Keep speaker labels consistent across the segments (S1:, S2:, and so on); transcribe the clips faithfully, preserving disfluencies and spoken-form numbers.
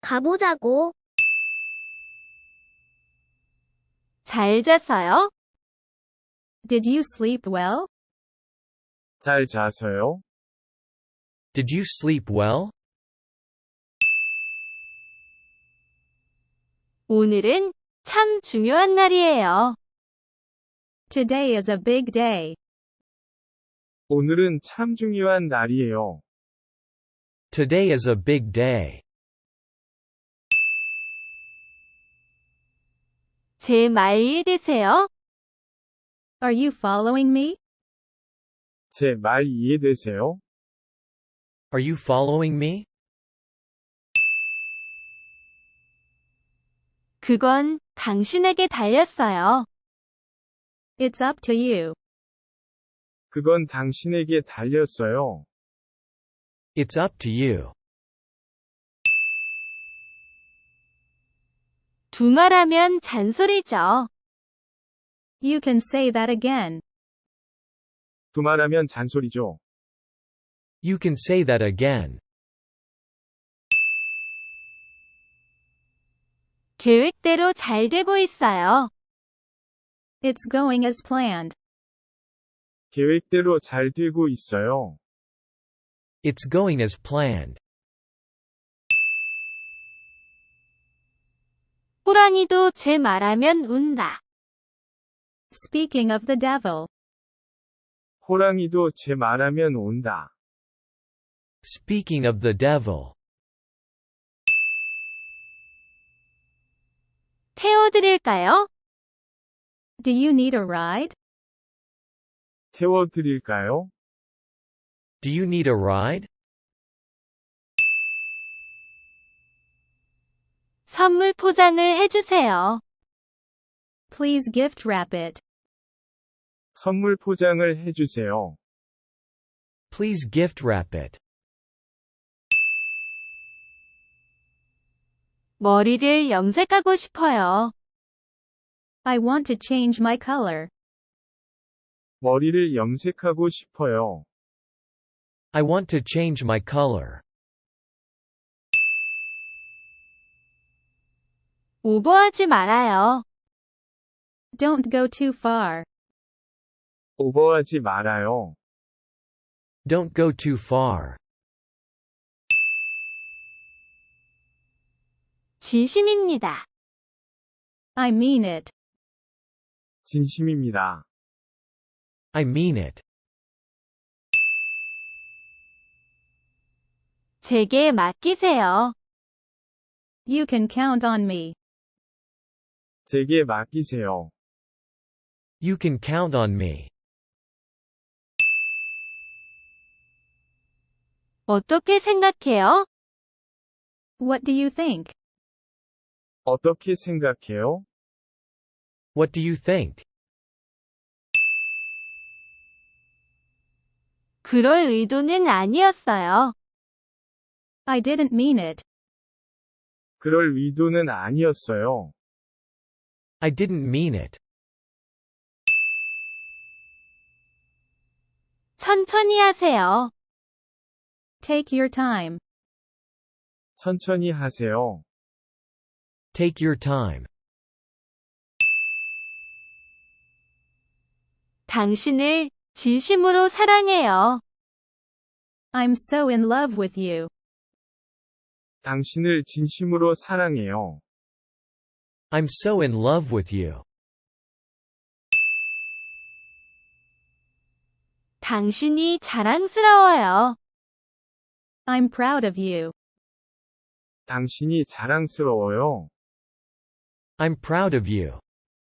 S1: 가보자고.
S2: 잘 잤어요?
S3: Did you sleep well?
S4: 잘 자서요?
S5: Did you sleep well?
S2: 오늘은 참 중요한 날이에요.
S3: Today is a big day.
S4: 오늘은 참 중요한 날이에요.
S5: Today is a big day.
S2: 제 말 이해되세요?
S3: Are you following me?
S4: 제 말 이해되세요?
S5: Are you following me?
S2: 그건 당신에게 달렸어요.
S3: It's up to you.
S4: 그건 당신에게 달렸어요.
S5: It's up to you.
S2: 두말하면 잔소리죠.
S3: You can say that again.
S4: 두말하면 잔소리죠.
S5: You can say that again.
S2: 계획대로 잘 되고 있어요.
S3: It's going as planned.
S4: 계획대로 잘 되고 있어요.
S5: It's going as planned.
S2: 호랑이도 제 말하면 운다.
S3: Speaking of the devil.
S4: 호랑이도 제 말하면 온다.
S5: Speaking of the devil.
S2: 태워드릴까요?
S3: Do you need a ride?
S4: 태워드릴까요?
S5: Do you need a ride?
S2: 선물 포장을 해주세요.
S3: Please gift wrap it.
S4: 선물 포장을 해주세요.
S5: Please gift wrap it.
S2: 머리를 염색하고 싶어요.
S3: I want to change my color.
S4: 머리를 염색하고 싶어요.
S5: I want to change my color.
S2: 오버하지 말아요.
S3: Don't go too far.
S4: 오버하지 말아요.
S5: Don't go too far.
S2: 진심입니다.
S3: I mean it.
S4: 진심입니다.
S5: I mean it.
S2: 제게 맡기세요.
S3: You can count on me.
S4: 제게 맡기세요.
S5: You can count on me.
S2: 어떻게 생각해요?
S3: What do you think?
S4: 어떻게 생각해요?
S5: What do you think?
S2: 그럴 의도는 아니었어요.
S3: I didn't mean it.
S4: 그럴 의도는 아니었어요.
S5: I didn't mean it.
S2: 천천히 하세요.
S3: Take your time.
S4: 천천히 하세요.
S5: Take your time.
S2: 당신을 진심으로 사랑해요.
S3: I'm so in love with you.
S4: 당신을 진심으로 사랑해요.
S5: I'm so in love with you.
S2: 당신이 자랑스러워요.
S3: I'm proud of you.
S4: 당신이 자랑스러워요.
S5: I'm proud of you.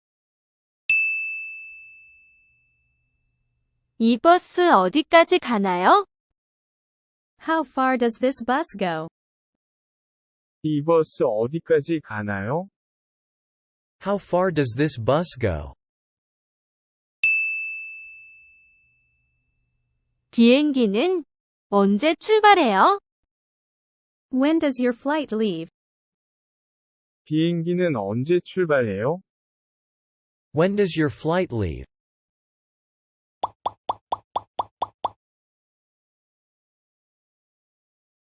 S2: 이 버스 어디까지 가나요?
S3: How far does this bus go?
S4: 이 버스 어디까지 가나요?
S5: How far does this bus go?
S2: 비행기는 언제 출발해요?
S3: When does your flight leave?
S4: 비행기는 언제 출발해요?
S5: When does your flight leave?